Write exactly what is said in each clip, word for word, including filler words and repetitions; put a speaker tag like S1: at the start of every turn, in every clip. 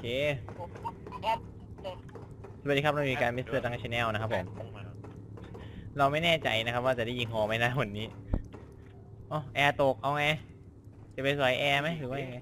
S1: เคสวัสดีครับเรามีการมิสเตอร์ดังชาแนลนะครับผมเราไม่แน่ใจนะครับว่าจะได้ยิงฮอไหมนะวันนี้อ๋อแอร์ตกเอาไงจะไปสอยแอร์ไหมหรือว่ายังไง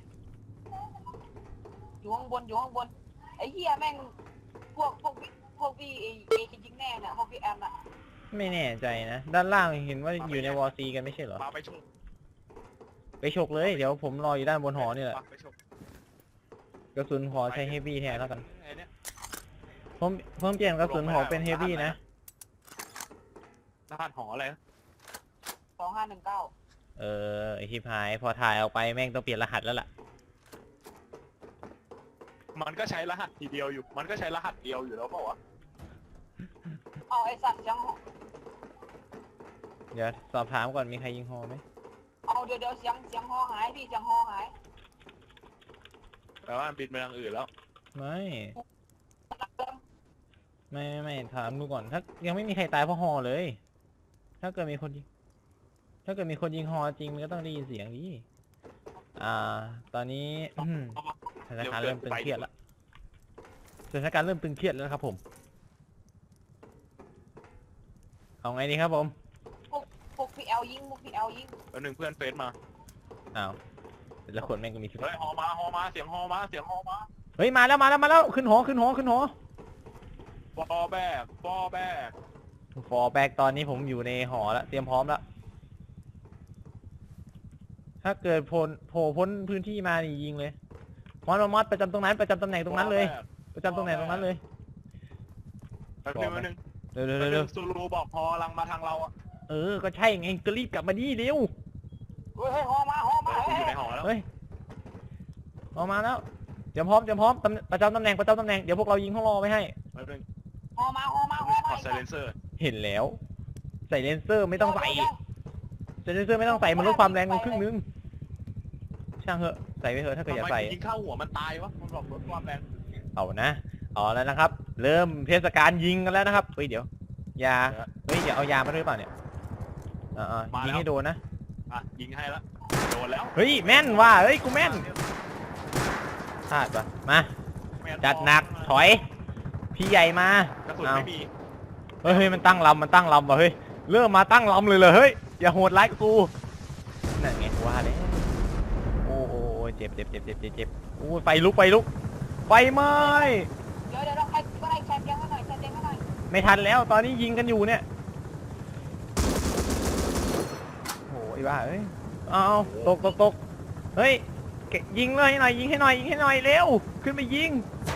S2: อยู่ข้างบนอยู่ข้างบนไอ้เหี้ยแม่งพวกพวกพวกพี่เอเอจริงแน่เนี่ยพวกพี่แอมอะ
S1: ไม่แน่ใจนะด้านล่างเห็นว่าอยู่ในวอร์ซีกันไม่ใช่เหรอ
S3: ไปชก
S1: ไปฉกเลยเดี๋ยวผมรออยู่ด้านบนหอนี่แหละกระสุนหอใช้เฮฟวี่แทนแล้วกันผมเพิ่มเปลี่ยนกระสุนหอเป็นเฮฟวี่นะ
S3: รหัสหออะไร
S2: สองห้าหนึ่งเก้า
S1: เออไอที่พายพอถ่ายออกไปแม่งต้องเปลี่ยนรหัสแล้วล่ะ
S3: มันก็ใช้รหัสทีเดียวอยู่มันก็ใช้รหัสเดียวอยู่แล้วเปล่าวะ
S2: เอาไอ้สัตว์ยัง
S1: เดี๋ยวสอบถามก่อนมีใครยิงฮอไหม
S2: เอาเดี๋ยวเดี๋ยวเสียงเสียงฮอหายพี่เสียงฮอหาย
S3: แปลว่าบินไปทางอื่นแล้ว
S1: ไม่ไม่ไม่ไม่ถามดูก่อนถ้ายังไม่มีใครตายเพราะฮอเลย ถ้าเกิดมีคนยิงถ้าเกิดมีคนยิงฮอจริงมันก็ต้องได้ยินเสียงดิอ่าตอนนี้สถานการณ์เริ่มตึงเครียดแล้วสถานการณ์เริ่มตึงเครียดแล้วครับผมเอาไงดีครับผม
S2: พวกพวกพี่แอลยิงพวกพี่แอลยิง
S3: แล้วหนึ่งเพื่อนเฟซมา
S1: อ้าวแต่ละคนแม่งก็มีสิบ
S3: เฮ้ยฮอมาฮอมาเสียงฮอมาเสียงฮอมา
S1: เฮ้ยมาแล้วมาแล้วมาแล้วขึ้นหอขึ้นหอขึ้นหอ
S3: ฟอแบกฟอแบก
S1: ฟอแบกตอนนี้ผมอยู่ในหอแล้วเตรียมพร้อมแล้วถ้าเกิดโผล่โผล่พ้นพื้นที่มานี่ยิงเลยมอสมอสประจำตรงนั้นประจำตำแหน่งตรงนั้นเลยประจำตำแหน่งตรงนั้นเลย
S3: แป๊บนึงแป๊บนึง
S1: เร็วเร็วเร็ว
S3: ซูรูบอกฮอลังมาทางเราอ่ะ
S1: เออก็ใช่ไงก็รีบกลับมาดิเร็ว
S2: เฮ้ยฮอมาฮอมา
S3: อยู่ในหอแล้ว
S1: เฮ้ยออกมาแล้วเตรียมพร้อมเตรียมพร้อมประจำตำแหน่งประจำตำแหน่งเดี๋ยวพวกเรายิงห้องรอไปให้
S3: แป๊บนึง
S2: ฮอมาฮอมาฮอมา
S3: ถอดไซเลนเซอร์
S1: เห็นแล้วใส่เลนเซอร์ไม่ต้องใส่ใส่เลนเซอร์ไม่ต้องใส่มันลดความแรงลงครึ่งนึงช่างเหอะใส่ไปเถอะถ้าเกิดอยากใส่
S3: ยิงเข้าหัวมันตายวะมันบอกลดความแรง
S1: เอานะเอาแล้วนะครับเริ่มเทศกาลยิงกันแล้วนะครับเฮ้ยเดี๋ยวยาเฮ้ยเดี๋ยวเอายามาด้วยเปล่าเนี่ยอ่ายิงให้โดนนะ
S3: อ่ะยิงให้แล้วโดนแล้ว
S1: เฮ้ยแม่นว่ะเฮ้ยกูแม่นพลาดปะมาจัดหนักถอยพี่ใหญ่มาก
S3: ระสุนไม่มี
S1: เฮ้ยมันตั้งลำมันตั้งลำว่ะเฮ้ยเริ่มมาตั้งลำเลยเลยเฮ้ยอย่าโหดร้ายกูนั่นไงว่าเลยโอ้โหเจ็บเจ็บเจ็บเจ็บเจ็บเจ็บโอ้ไฟลุกไฟลุกไฟไหม้
S2: เดี๋ยวเดี๋ยวเราใครก็ได้แชร์เตียงให้หน่อยแชร์เตียงให้หน่อย
S1: ไม่ทันแล้วตอนนี้ยิงกันอยู่เนี่ยโอ้ยบ้าเอ้ยเอาตกตกตกเฮ้ยยิงเลยหน่อยยิงให้หน่อยยิงให้หน่อยเร็วขึ้นไปยิง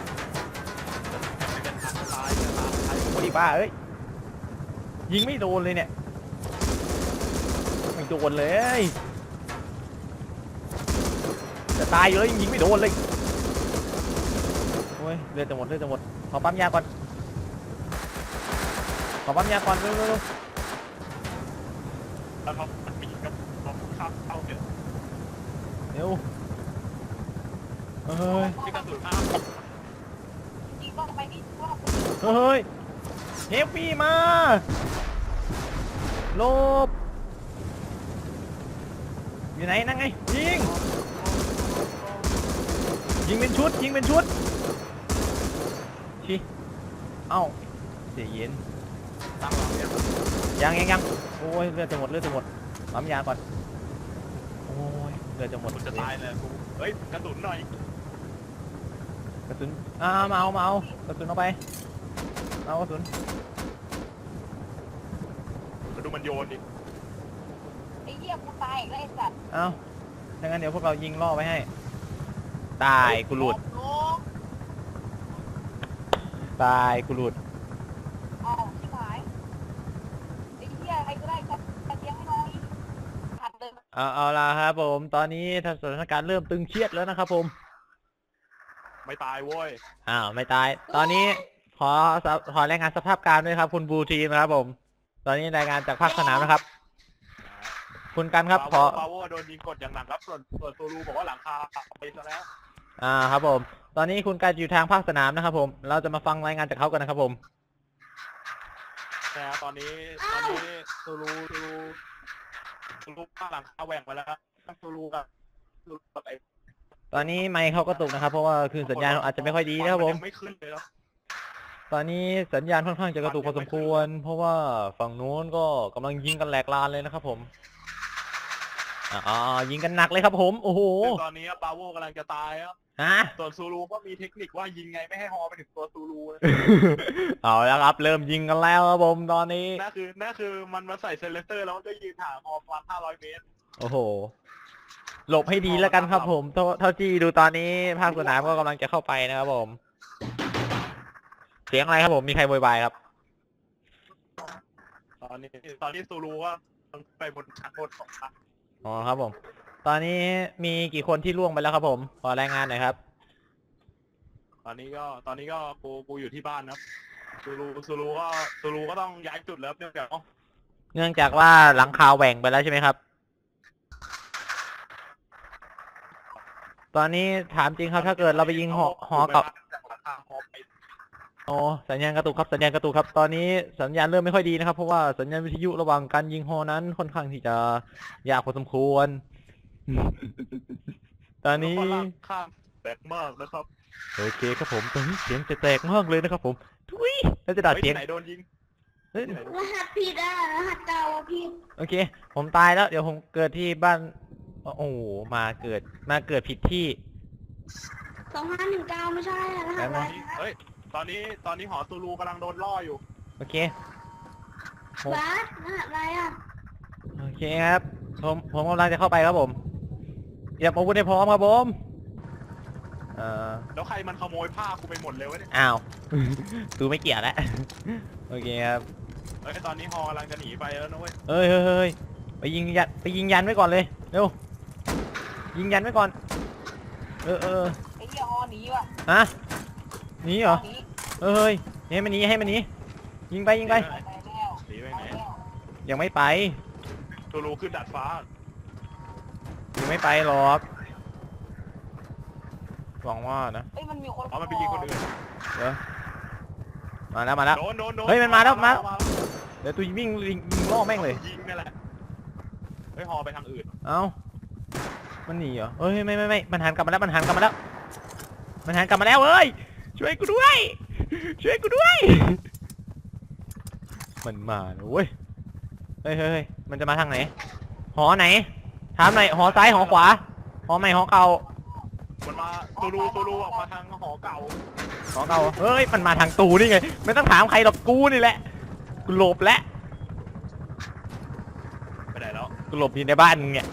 S1: โอ้ยบ้าเอ้ยยิงไม่โดนเลยเนี่ยไม่โดนเลยจะตายเลยยิงไม่โดนเลยโอ้ยเลือดจะหมดเลือดจะหมดขอปั๊มยาก่อนขอปั๊มยาก่อนเร็วเร็ว
S3: แล้วเขาปีกกับเขาข้ามเข้าเยอะ
S1: เร็วเฮ้ย
S3: ที่กระสุนข้าม
S2: ยิงก็ไปดิ
S1: เฮ้ยเฮฟวี่มาลบอยู่ไหนนั่งไงยิงยิงเป็นชุดยิงเป็นชุดชิเอ้าเสียเย็น
S3: ตั้งหลังเนี่ย
S1: ยังยังยังโอ้ยเลือดจะหมดเลือดจะหมดปั๊มยาก่อนโอ้ยเลือดจะหมด
S3: จะตายเลยกูเฮ้ยกระสุนหน่อย
S1: กระสุนอ่ามาเอามาเอากระสุนเอาไปเอากระสุน
S3: มาดูมันโยนดิ
S2: ไอ้เหี้ยกูตายอีกแล้วไอ้สัตว์
S1: เอาดังนั้นเดี๋ยวพวกเรายิงล่อไปให้ตายกูหลุดตายกูหลุด
S2: เอาชิบหายไอ้เหี้ยใครก็ได้แชร์เตียงให้หน่อยหัดเลย
S1: เอาเอาละครับผมตอนนี้สถานการณ์เริ่มตึงเครียดแล้วนะครับผม
S3: ไม่ตายโว้ย
S1: อ้าวไม่ตายตอนนี้ขอขอรายงานสภาพการด้วยครับคุณบูทีมนะครับผมตอนนี้รายงานจากภาคสนามนะครับคุณกันครับขอ
S3: ปาโวโดนยิงกดอย่างหนักครับส่วนส่วนตูรูบอกว่าหลังคาไปซะแล้ว
S1: อ่าครับผมตอนนี้คุณกันอยู่ทางภาคสนามนะครับผมเราจะมาฟังรายงานจากเขากันนะครับผม
S3: แต่ตอนนี้ตอนนี้ตูรูตูรูตูรูหลังคาแหว่งไปแล้วตูรูกับตูรูกับไอ้
S1: ตอนนี้ไมค์เขาก็ตกนะครับเพราะว่าคือสัญญาณอาจจะไม่ค่อยดีนะครับผม
S3: ยังไม่ขึ้นเลยแล้ว
S1: ตอนนี้สัญญาณค่อนข้างจะกระตุกพอสมควร เพราะว่าฝั่งนู้นก็กำลังยิงกันแหลกลานเลยนะครับผมอ่ายิงกันหนักเลยครับผมโอ้โห
S3: ซึ่งตอนนี้บาโวกำลังจะตายแล้ว
S1: ฮะ
S3: ส่วนซูรูก็มีเทคนิคว่ายิงไงไม่ให้ฮอไปถึงตัวซูรูนะ
S1: เอาแล้วครับเริ่มยิงกันแล้วครับผมตอนนี้
S3: นั่นคือนั่นคือมันมาใส่เซเลสเตอร์แล้วมันก็ยืนห่างฮอประมาณห้าร้อยเมตร
S1: โอ้โหหลบให้ดีแล้วกันครับผมเท่าเท่าที่ดูตอนนี้ภาคสนามก็กำลังจะเข้าไปนะครับผมเสียงอะไรครับผมมีใครโวยวายครับ
S3: ตอนนี้ตอนนี้ซูรูก็ไปบนชั้นบนของพัก
S1: อ๋อครับผมตอนนี้มีกี่คนที่ล่วงไปแล้วครับผมขอรายงานหน่อยครับ
S3: ตอนนี้ก็ตอนนี้ก็กูกูอยู่ที่บ้านครับซูรูซูรูก็ซูรูก็ต้องย้ายจุดแล้วเนื่องจากอ๋อ
S1: เนื่องจากว่าหลังคาแหว่งไปแล้วใช่ไหมครับ ตอนนี้ถามจริงครับถ้าเกิดเราไปยิงหอหอกับ
S3: จากหลังคาฮอไป
S1: โอ้สัญญาณกระตุกครับสัญญาณกระตุกครับ ตอนนี้สัญญาณเริ่มไม่ค่อยดีนะครับเพราะว่าสัญญาณวิทยุระหว่างการยิงฮอนั้นค่อนข้างที่จะยากพอสมควร ตอนนี้
S3: แล้วก็ลากข้ามแบกมากนะครับ
S1: โอเคครับผมตอนนี้เสียงจะแตกมากเลยนะครับผมทุยแล้วจะดัด
S3: เฮ้ย
S1: เสียง
S3: ที่ไหนโดนยิง
S1: เฮ้ย
S3: ที่ไหนโดน
S2: รหัสผิดอ่ะรหัสเก่าอะผิด
S1: โอเค ผมตายแล้วเดี๋ยวผมเกิดที่บ้านโอ้โหมาเกิดมาเกิดผิดที่
S2: สองห้าหนึ่งเก้าไม่ใช่อะรหัสอะไรนะ
S3: เฮ้ยตอนนี้ตอนนี้หอซูรูกำลังโดนล่ออยู่
S1: โอเค
S2: บาสรหัสอะไรอ่ะ
S1: โอเคครับผมผมกำลังจะเข้าไปครับผมเตรียมอาวุธให้พร้อมครับผมเอ่อ
S3: แล้วใครมันขโมยผ้ากูไปหมดเลยวะเนี่ย
S1: อ้าว ตูไม่เกี่ยวแล้ว โอเคครับ
S3: เฮ้ยตอนนี้ฮอกำลังจะหนีไปแล้วนะเว้ย
S1: เฮ้ยเฮ้ยเฮ้ยไปยิงยันไปยิงยันไว้ก่อนเลยเร็วยิงยันไว้ก่อนเออเออ
S2: ไอ้เหี้ยฮอหนีว่ะ
S1: ฮะหนีเหรอ
S2: หนี
S1: เฮ้ยให้มันหนีให้มันหนียิงไปยิงไป
S2: ไปแล้ว
S3: หนีไป
S2: ไป
S3: ไหน
S2: แล้ว
S1: ยังไม่ไป
S3: ซูรูขึ้นดาดฟ้า
S1: ยังไม่ไปหรอกหวังว่านะ
S2: เอ้ยมันมีคน
S3: อ๋อมันไปยิงคนอื่น
S1: เดี๋ยวมาแล้วมาแล้ว
S3: โดนโดนโดน
S1: เฮ้ยมันมาแล้วมาเดี๋ยวตูวิ่งวิ่งยิงล่อแม่งเลย
S3: ยิงนี่แหละเฮ้ยฮอไปทางอื่น
S1: เอ้ามันหนีเหรอเฮ้ยไม่ไม่ไม่มันหันกลับมาแล้วมันหันกลับมาแล้วมันหันกลับมาแล้วเอ้ยช่วยกูด้วยช่วยกูด้วย มันมาแล้วเว้ยเฮ้ยเฮ้ยเฮ้ยมันจะมาทางไหนหอไหนถามหน่อยหอซ้ายหอขวาหอใหม่หอเก่า
S3: มันมาซูรูซูรูออกมาทางหอเก่า
S1: หอเก่าเฮ้ยมันมาทางตูนี่ไงไม่ต้องถามใครหรอกกูนี่แหละกูหลบแล้ว
S3: ไปไหนแล้ว
S1: กูหลบอยู่ในบ้านมึงเนี่ย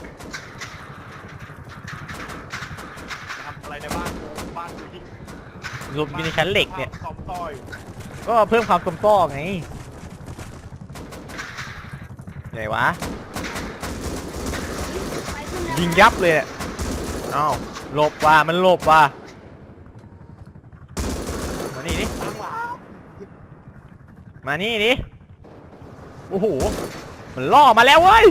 S3: ทำอะไรในบ้านกูบ้านกูยิง
S1: หลบอยู่ในชั้นเหล็กเนี่ย
S3: ซอมต้อย
S1: ก็เพิ่มความสมซ้อไงไงวะ
S2: ไปขึ้นแล้ว
S1: ยิงยับเลยเนี่ยอ้าวหลบว่ะมันหลบว่ะมานี่ดิ
S3: ตั้งหลัง
S1: มานี่ดิโอ้โหมันล่อมาแล้วเว้ย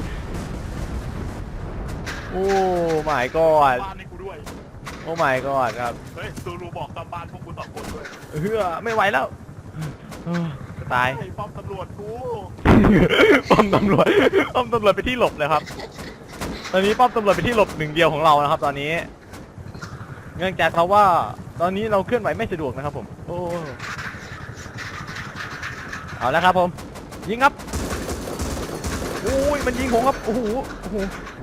S1: โอ้ my god
S3: บ้านให้กูด้วย
S1: โอ้ my god ครับ
S3: เฮ้ยซูรูบอกตามบ้านพวกกูสองคนด้วย
S1: เฮือไม่ไหวแล้วเออจะตาย
S3: ไอ้ป้อมตำรวจกู
S1: ป้อมตำรวจป้อมตำรวจไปนที่หลบเลยครับ ตอนนี้ป้อมตำรวจเป็นที่หลบหนึ่งเดียวของเรานะครับ ตอนนี้ เนื่องจากเราว่า ตอนนี้เราเคลื่อนไหวไม่สะดวกนะครับผม โอ้เอาแล้วครับผม ยิงครับโอ้ยมันยิงผมครับโอ้โหโอ้โห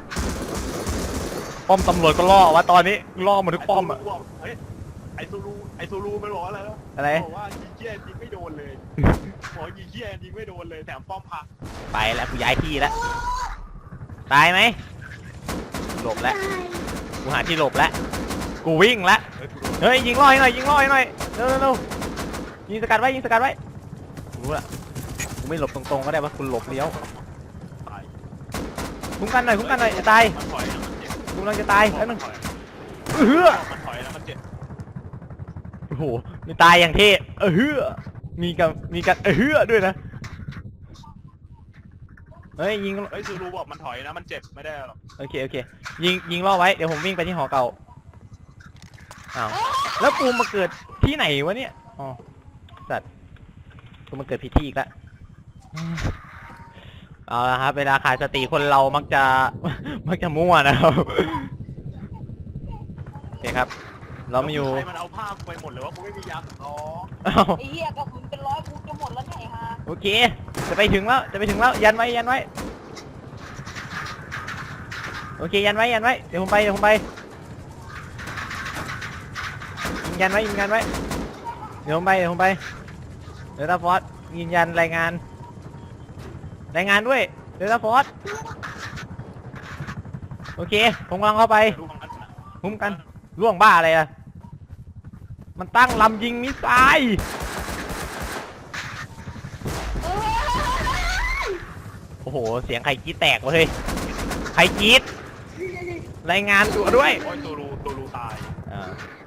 S1: ป้อมตำรวจก็ล่อวะตอนนี้ล่อหมดทุกป้อมอะ
S3: ไซูรูบกเฮ้ยไอซูรูไอซูรูมันบอกอะไรแล้ว
S1: อะไร
S3: บอกว่ายิงเกี้ยยิงไม่โดนเลยบอกยิงเกี้ยยิงไม่โดนเลยแถมป้อมพัง
S1: ไปแล้วกูย้ายที่แล้วตายไหมหลบแล้ว
S2: ตาย
S1: กูหาที่หลบแล้วกูวิ่งแล้ว
S3: เฮ้ยซูรู
S1: เฮ้ยยิงล่อให้หน่อยยิงล่อให้หน่อยเร็วเร็วเร็วยิงสกัดไว้ยิงสกัดไว้รู้ละกูไม่หลบตรงๆก็ได้ว่าคุณหลบเลี้ยว
S3: ตาย
S1: คุ้มกันหน่อยคุ้มกันหน่อยจะตาย
S3: มันถอยแล้วมันเจ็บ
S1: กูกำลังจะตาย
S3: บอ
S1: แป๊
S3: ก
S1: บนึ
S3: มัน
S1: ง
S3: ถอย
S1: เฮือ
S3: บอกมันถอยแล้วมันเจ็บ
S1: โอ้โหมีตายอย่างเท่เออเฮือมีกับมีกันเออเฮือด้วยนะเฮ้ยยิง
S3: เฮ้ยซูรูบอกมันถอยนะมันเจ็บไม่ได้หรอก
S1: โอเคโอเคยิงยิงล่อไว้เดี๋ยวผมวิ่งไปที่หอเก่าอ้าวแล้วกูมาเกิดที่ไหนวะเนี่ยอ๋อสัตว์กูมาเกิดผิดที่อีกแล้วเอาละครับเวลาขาดสติคนเรามักจะ มักจะมั่วนะครับครับ เรามาอยู่
S3: ใครมันเอาผ้าไปหมดเลยว่ากูไม่มียาสำรอง
S1: อ้าว
S2: ไอ้เหี้ยกระสุนเป็นร้อยกูจะหมดแล้วเนี่ยไอ้ห่า
S1: โอเค จะไปถึงแล้ว จะไปถึงแล้ว ยันไว้ ยันไว้ โอเค ยันไว้ ยันไว้ เดี๋ยวผมไป เดี๋ยวผมไปยิงยันไว้ยิงยันไว้ เดี๋ยวผมไป เดี๋ยวผมไป เดลต้าฟอร์สยืนยันรายงาน รายงานด้วย เดลต้าฟอร์สโอเค ผมกำลังเข้าไป
S3: ดูของมันนะ
S1: คุ้มกันล่วงบ้าอะไรอะมันตั้งลำยิงมิสไซล์
S2: เอ้ย
S1: โอ้โห เสียงใครกรีดแตกวะเฮ้ย ใครกรีดรายงานตัวด้วย
S3: โอ้ยตัวรูตัวรูตาย
S1: อ่า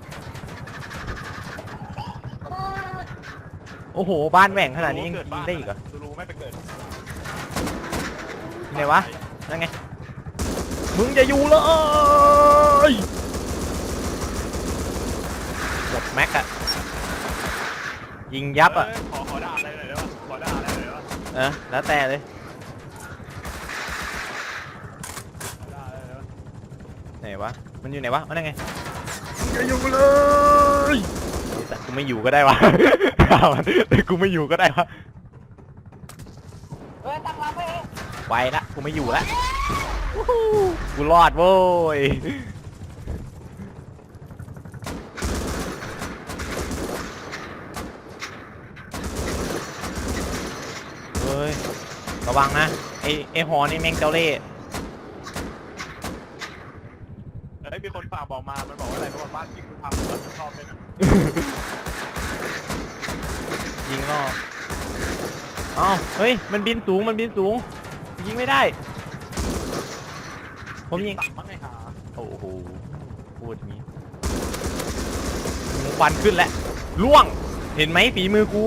S1: โอ้โห บ้านแหว่งขนาดนี้ยัง
S3: เกิ
S1: ยิง
S3: บ้าน
S1: ได้อีกเหรอ
S3: ตัวรูไม่ไปเกิด
S1: ไหนวะ นั่นไง มึงจะอยู่เลยหมดแม็กอะยิงยับอะ
S3: เยขอขอด่าอะไรหน่อยได้ปะขอด่าอะไรหน่อยได้ปะ
S1: เออ แล้วแต่เลย
S3: ขอด่าอะไรหน่อยได้ปะ
S1: ไหนวะ มันอยู่ไหนวะมันนั่นไงมึงจะอยู่เลยแต่กูไม่อยู่ก็ได้วะ แต่กูไม่อยู่ก็ได้วะ
S2: เอ้ยตั้งรับไปเอง
S1: ไปละกูไม่อยู่ละวู้ฮู้กูรอดโว้ยเฮ้ยระวังนะไอไอหอนี่แม่งเจ้าเล่ห์
S3: เอ้ยมีคนฝากบอกมา มันบอกว่าอะไรเพราะว่าบ้านที่กูทำแล้วชอบเลยนะ
S1: ยิงรอบอ้าวเฮ้ยมันบินสูงมันบินสูงยิงไม่ได้ผมยิง
S3: ตักมั้งไงหา
S1: โอ้โหพูดอย่างนี้ควันขึ้นแล้วล่วงเห็นไหมฝีมือกู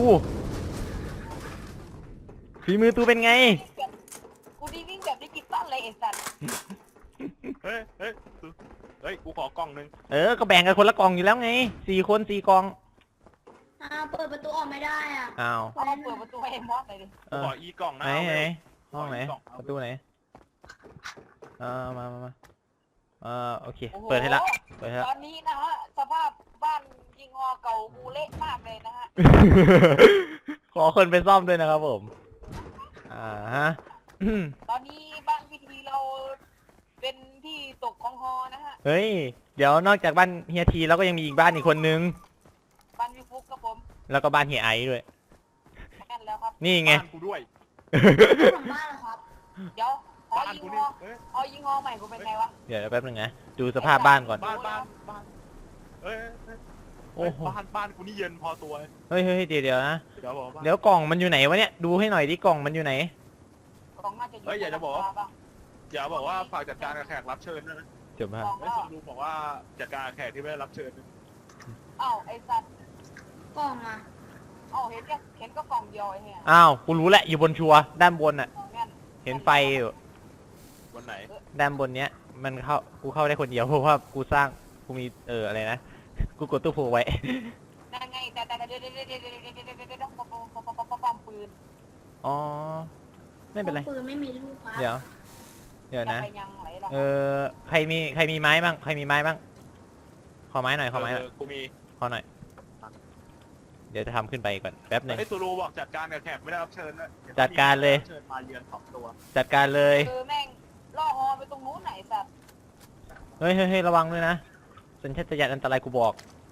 S1: ฝีมือตูเป็นไง
S2: กูดีวิ่งแบบดิจิตอลเลยไอ้สัตว์
S3: เฮ้ยเฮ้ยเฮ้ยกูขอกล่องนึง
S1: เออก็แบ่งกันคนละกล่องอยู่แล้วไงสี่คนสี่กล่อง
S4: อ่าเปิดประตูออกไม่ได้อ่ะ
S1: อ้าว
S2: เอาเปิดประตูให้ไอ้มอสหน่อยดิ
S1: เอ
S3: กู
S1: อ
S3: ขออีกล่องนะ
S1: ไหน
S3: เอา
S1: ไหน
S3: ไว้
S1: ห้องไหน
S3: กล่องเอา
S1: ประตูไหนเออมามามาเออโอเค
S2: โอ้โห
S1: เปิดให้ละเปิดให้
S2: ต
S1: ละ
S2: อนนี้นะฮะสภาพบ้านยิงฮอเก่ากูเละมากเลยนะฮะ
S1: ขอคนไปซ่อมด้วยนะครับผม อ่าฮะอืม
S2: ตอนนี้บ้านพิธีเราเป็นที่ตกของฮอนะฮะ
S1: เฮ้ย เดี๋ยวนอกจากบ้านเฮียทีแล้วก็ยังมีอีกบ้านอีกคนนึง
S2: บ้านวิฟุกครับผม
S1: แล้วก็บ้านเฮียไอซ์ด้วย
S2: แม่นแล้วครับ
S1: นี่ไง
S3: บ้านกูด้วย
S4: หลังบ้านเหรอครับ
S2: เดี๋ยวขอ
S3: บ้าน
S2: ยิง
S3: กู
S2: ฮ
S3: นี่
S2: อ
S3: เอ้ย
S2: เอายิงฮอใหม่กูเป็นไงวะ
S1: เดี๋ยวแป๊บนึงนะ ดูสภาพบ้านก่อน
S3: บ้านบ้านบ้านเอ้ยเอ้ย
S1: โอ้โห
S3: บ้านบ้านกูนี่เย็นพอตัว
S1: เฮ้ยเฮ้ยเดี๋ยวเดี๋ยวนะ
S3: เดี๋ยวบอกว่า
S1: เดี๋ยวกล่องมันอยู่ไหนวะเนี่ย ดูให้หน่อยดิกล่องมันอยู่ไหน
S2: กล่องน่าจะอยู่
S3: เฮ้ยอยากจะบอกว่า
S2: บ้าง
S3: อย่าบอกว่าฝากจัดการกับแขกรับเชิญด้วยนะ
S1: จบมาก
S2: ล่อง
S3: ไอ้
S2: ก็
S3: สมรูบอกว่าจัดการกับแขกที่ไม่ได้รับเชิญนะ
S2: เอ้าไอ้สัตว์
S4: กล่องอ่ะ
S2: เอ้าเห็นแค่เห็นก็กล่องเดียวไอ้เหี้ย
S1: อ้าว กูรู้แหละ อยู่บนชัวร์ด้านบนน่ะ
S2: แม่น
S1: เห็นไฟอยู่
S3: วันไหน
S1: ด้านบนเนี้ย มันเข้า กูเข้าได้คนเดียวเพราะว่ากูสร้าง กูมี เออ อะไรนะ กูกดตู้โพไว้
S2: นั่นไงแต่แต่เดี๋ยวเดี๋ยวเดี๋ยวเดี๋ยวเดี๋ยวเดี๋ยวเดี๋ยวเดี๋ยวปอมปอมปอมปอมปอมปอมปืน
S1: อ๋อ ไม่เป็นไร
S4: ปืนไม่มีลูกครับ
S1: เดี๋ยว เดี๋ยวนะ
S2: จไปยังไหนล่ะ
S1: เออ ใครมี ใครมีไม้บ้าง ใครมีไม้บ้าง ขอไม้หน่อย ขอไม้หน่อย
S3: เออกูมี
S1: ขอหน่อย เดี๋ยวจะทำขึ้นไปก่อน แป๊บหนึ่ง
S3: ไอ้ตูรูบอกจัดการกับแขกไม่ได้รับเชิญนะ
S1: จัดการเลย
S3: เชิญมาเยือนสองตัว
S1: จัดการเลย
S2: เออแม่งล่อฮอไปตรงนู้นไหนสัตว์
S1: เฮ้ยเฮ้ยเฮ้ยระวังด้วยนะ สัญชาตญาณอันตรายกูบอก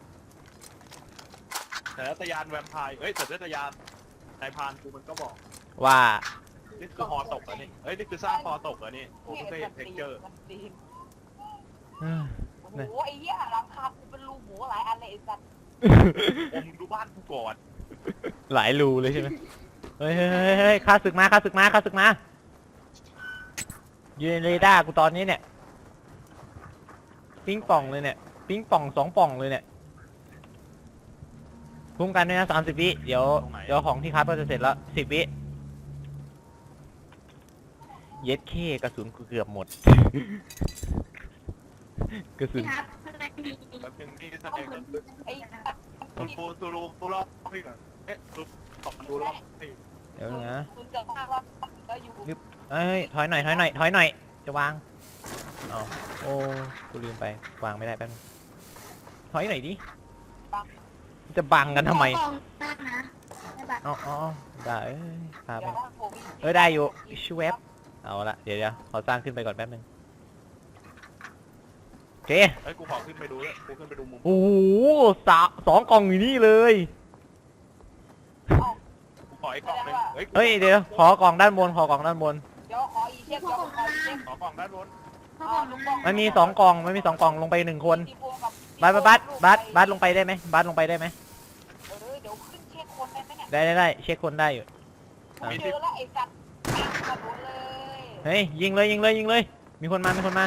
S3: แต่ละตยานแวมไพร์เอ้ยแต่ละตยานนายพรานกูมันก็บอก
S1: ว่า
S3: นี่คือฮอตกเหรอนี่เอ้ยนี่คือสร้างฮอตกเหรอนี่โอ้ไม่เคยเห็นเท็กเจอร์
S2: มันตีน
S1: เอ้ย
S2: โอ้โหไอ้เหี้ยหลังคากูเป็นรูหมูหลายอันเลยไอ้สัตว์
S3: โอ้มึงดูบ้านกูก่อน
S1: หลายรูเลยใช่ไหมเฮ้ยเฮ้ยเฮ้ยเฮ้ยข้าศึกมาข้าศึกมาข้าศึกมาอยู่ในเรดาร์กูตอนนี้เนี่ย ปิ้งป่องเลยเนี่ย ปิ้งป่องสองป่องเลยเนี่ยคุ้มกันด้วยนะสามสิบวิ เดี๋ยว เดี๋ยวของที่คับก็จะเสร็จแล้วสิบวิ เย็ดเคกระสุนกูเกือบหมด กระสุน
S4: พี่ครับข้างในมี
S3: แป๊บนึงนี่แส
S4: ห้อ
S3: ด
S4: ง
S3: ง
S4: พื้น
S2: ไอ้
S4: ที่
S2: สัตว์
S3: ตูตูรูตูรอบพี่ก่อนเอ๊ะตูตอบมาดูรอบพี่
S1: เดี๋ยวนะ
S2: คุณจะพาเราก็อยู่
S1: เอ้ยถอยหน่อยถอยหน่อยถอยหน่อย จะวางเอาโอ้กูลืมไป วางไม่ได้แป๊บนึงถอยหน่อยดิจะบังกันทำไม
S4: กล่องมากนะได้ปะ
S1: อ๋ออ๋อได้เอ้ยพาไป
S2: เดี๋ยวถ้าโควิด
S1: เออได้อยู่ชูเวฟเอาละเดี๋ยวเดี๋ยวขอสร้างขึ้นไปก่อนแป๊บนึงโอเค
S3: เฮ้ยกูขอขึ้นไปดูด้วยกูขึ้นไปดูมุม
S1: โอ้โหสาสองกล่องอยู่นี่เลย
S3: กูขอไอ้กล่องหนึงเฮ้ยกู
S1: เฮ้ยเดี๋ยวขอกล่องด้านบนขอกล่องด้านบน
S2: เดี๋ยวขออีเช็คเดี๋ยวขออีเช็ค
S3: ขอกล่องด้านบน
S4: เพราะกล่องมัน
S1: มันมีสองกล่องมันมีสองกล่องลงไปหนึ่งคนบัสบัสบัสบัสบัสลงไปได้ไหมบัสลงไปได้ไหม
S2: เออเดี๋ยวขึ้นเช็คคนได้ไหมเนี่ย
S1: ได้ได้ได้เช็คคนได้อยู่
S2: กูเจอแล้วไอ้สัตว์แม่งกระโดดเลย
S1: เฮ้ยยิงเลยยิงเลยยิงเลย มีคนมามีคนมา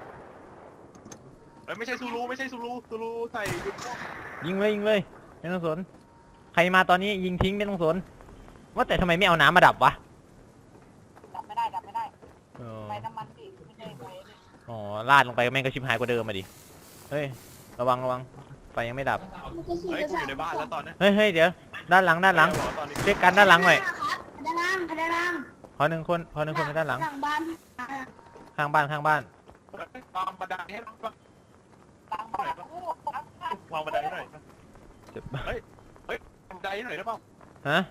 S3: เฮ้ยไม่ใช่ซูรูไม่ใช่ซูรูซูรูใส่ยุดพวก
S1: ยิงเลยยิงเลยไม่ต้องสนใครมาตอนนี้ยิงทิ้งไม่ต้องสนว่าแต่ทำไมไม่เอาน้ำมาดับวะ
S2: ดับไม่ได้ดับไม่ได้
S1: เออ
S2: ไปน้ำมันสิไม่ได้ไปเลย
S1: อ๋อลาดลงไปแม่งก็ชิบหายกว่าเดิมมาดิเฮ้ยระวังระวังไฟยังไม่ดับ
S4: มันก็คือ
S3: เฮ้ยกูอยู่ในบ้านแล้วตอนเนี้ย
S1: เฮ้ยเฮ้ยเดี๋ยวด้านหลังด้านหลัง
S3: ตอนนี้
S1: เช็คกันด้านหลังหน่อย
S4: ครับด้านล่างด้านล่าง
S1: ขอหนึ่งคนขอหนึ่งคนไปด้านหลัง
S4: หลังบ้านอ่า
S1: ข้างบ้านข้างบ้าน
S3: วางบันไดให้หน่อยปะ
S2: ตังค์มากูตังค์มาว
S3: างบันไดให้หน่อยปะ
S1: เจ็บ
S3: เฮ้ยเฮ้ยวางบันไดให้หน่อยได้เปล่า
S1: ฮะ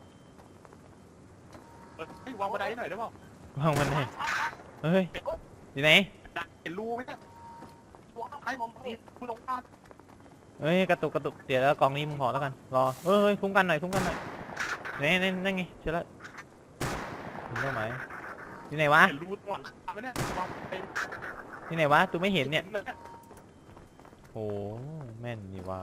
S3: เฮ้ยวางบันไดให้หน่อยได้เปล่าว
S1: างมันไหนเฮ้ยอยู่ไหน
S3: ดักเห็นรูไหมเนี่ย
S2: กูเอาให้ผมผิด
S3: กูลงบ้าน
S1: เฮ้ยกระตุกกระตุกเดี๋ยวแล้วกองนี้มึงขอแล้วกันรอเฮ้ยเฮ้ยคุ้มกันหน่อยคุ้มกันหน่อยไหนไหนนั่นไงเจอแล้วถึงเป้าหมายอยู่ไหนวะ
S3: เห็นรูตรงหลังคาไหมเนี่ยวางไป
S1: อยู่ไหนวะตูไม่เห็นเนี่ย
S3: เลย
S1: โอ้แม่นนี่ว่า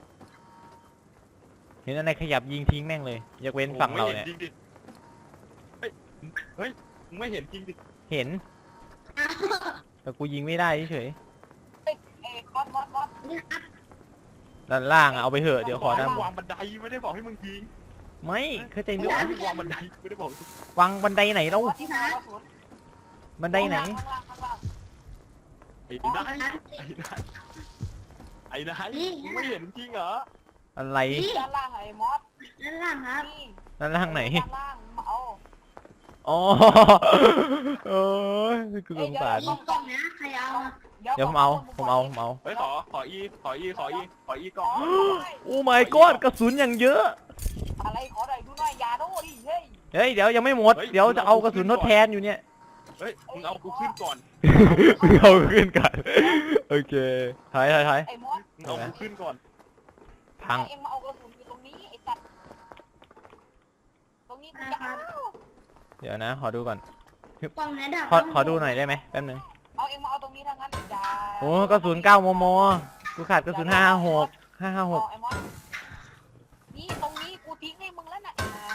S1: เห็นอะไรขยับยิงทิ้งแม่งเลยยกเว้นฝั่งเราเนี่ย
S3: โอ้โหไม่ห็จริงดิเฮ้ยเฮ้ยมึงไม่เห็นจริงดิ
S1: เห็นแต่กูยิงไม่ได้เฉย
S2: เอ้ยเอ้ยมอสมอสมอส
S4: นี่ครับ
S1: ๆด้านล่างอะเอาไปเถอะเดี๋ยวขอ
S3: ให้
S1: ด้าน
S3: มึง
S1: บน
S3: วางบันไดไม่ได้บอกให้มึงยิง
S1: ไม่เข้าใจ
S3: ไม่
S1: นึก
S3: ได้ให้มึงวางบันไดไม่ได้บอก
S1: วางบันไดไหนเรา
S2: มอสที่มากระสุน
S1: บันไดไหน
S2: ข้างล่างข้างล่าง
S3: ไอ้นายไอ้นายไอ้นายมึงไม่เห็นจริงเหรอ
S1: อะไร
S2: ด้านล่างไอ้มอส
S4: ด้านล่างครับ
S2: นี่
S1: ด้านล่างไหน
S2: ด้านล่างเอา
S1: อ๋อเอ้ยกูสงสาร
S4: มีกล่องนะใครเอาอะ
S1: เดี๋ยวผมเอาผมเอาผมเอา
S3: เฮ้ยขอขออีขออีขออีขออีก่อน
S1: โอ้ my god กระสุนอย่างเยอะ
S2: อะไรขอหน่อยดูหน่อยอย่าโน่ดิเฮ้ย
S1: เฮ้ยเดี๋ยวยังไม่หมดเดี๋ยวจะเอากระสุนทดแทนอยู่เนี่ย
S3: เฮ้ยมึงเอากูขึ้นก่อน
S1: มึงเอาขึ้นกันโอเคถอยถอยถอย
S2: ไอ้มอส
S3: มึงเอากูขึ้นก่อน
S1: พัง
S2: เอ็งมาเอากระสุนอยู่ตรงนี้ไอ้สัตว์ตรงนี้กูจะเอา
S1: เดี๋ยวนะขอดูก่อน
S4: กล่องไหนดับ
S1: ขอขอดูหน่อยได้ไหมแป๊บนึง
S2: เอาเอ็งมาเอาตรงนี้ทั้งนั้นอย่า
S1: โอ้กระสุนเก้ามมกูขาดกระสุนห้าห้าหกห้าห้าหก
S2: เอาไอ้มอสนี่ตรงนี้กูทิ้งให้มึงแล้วน่ะ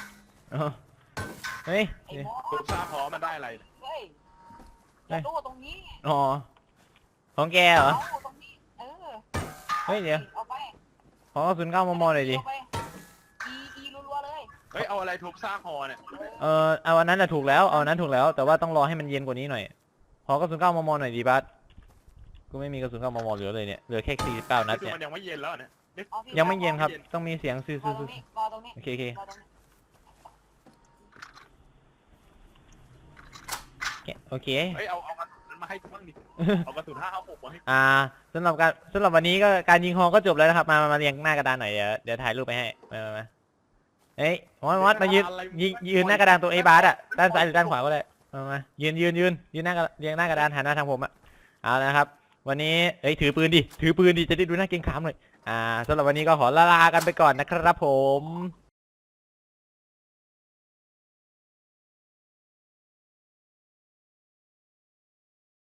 S1: เฮ้ย
S2: ไอ้มอ
S3: กู
S2: ส
S3: ทราบพอมันได้อะไร
S2: เฮ้ยอย่าดูตรงนี้
S1: อ๋อของแกเหรอ
S2: เอาตรงนี้เออ
S1: เฮ้ยเดี๋ยว
S2: เอาไป
S1: ขอกระสุนเก้ามมหน่อยดิ
S2: เอาไปอีอีรัวๆเลย
S3: เฮ้ยเอาอะไรทุบซากฮอเนี่ย
S1: เออเอาอันนั้นน่ะถูกแล้วเอาอันนั้นถูกแล้วแต่ว่าต้องรอให้มันเย็นกว่านี้หน่อยขอกระสุนเก้ามมหน่อยดิบัสกูไม่มีกระสุนเก้ามมเหลือเลยเนี่ยเหลือแค่สี่สิบเก้านัด
S3: คือ
S1: เนี่ย
S3: มันยังไม่เย็นแล้วเนี่ย
S2: เอาที่
S1: ยังไม่เย็นครับต้องมีเสียงซื่อ
S2: รอตรงนี้รอตรงนี้
S1: ๆโอเคโอเค
S2: รอตรงนี้
S1: โอเค
S3: เฮ้ยเอาเอากระสุนมาให้กูบ้างดิเอากระสุนห้าเอาหกมาให้
S1: อ่าสำหรับการสำหรับวันนี้ก็การยิงฮอก็จบแล้วนะครับมามามาเรียงหน้ากระดานหน่อยเดี๋ยวเดี๋ยวถ่ายรูปไปให้มามามาเฮ้ยมอสมอสมายืนยืนยืนหน้ากระดานตัวไอ้บาสอ่ะด้านซ้ายหรือด้านขวาก็ได้มามายืนยืนยืนยืนหน้ากระเรียงหน้ากระดานหันหน้าทางผมอ่ะเอาละครับ วันนี้เฮ้ยถือปืนดิถือปืนดิจะได้ดูหน้าเกรงขามหน่อยอ่าสำหรับวันนี้ก็ขอลาลากันไปก่อนนะครับผม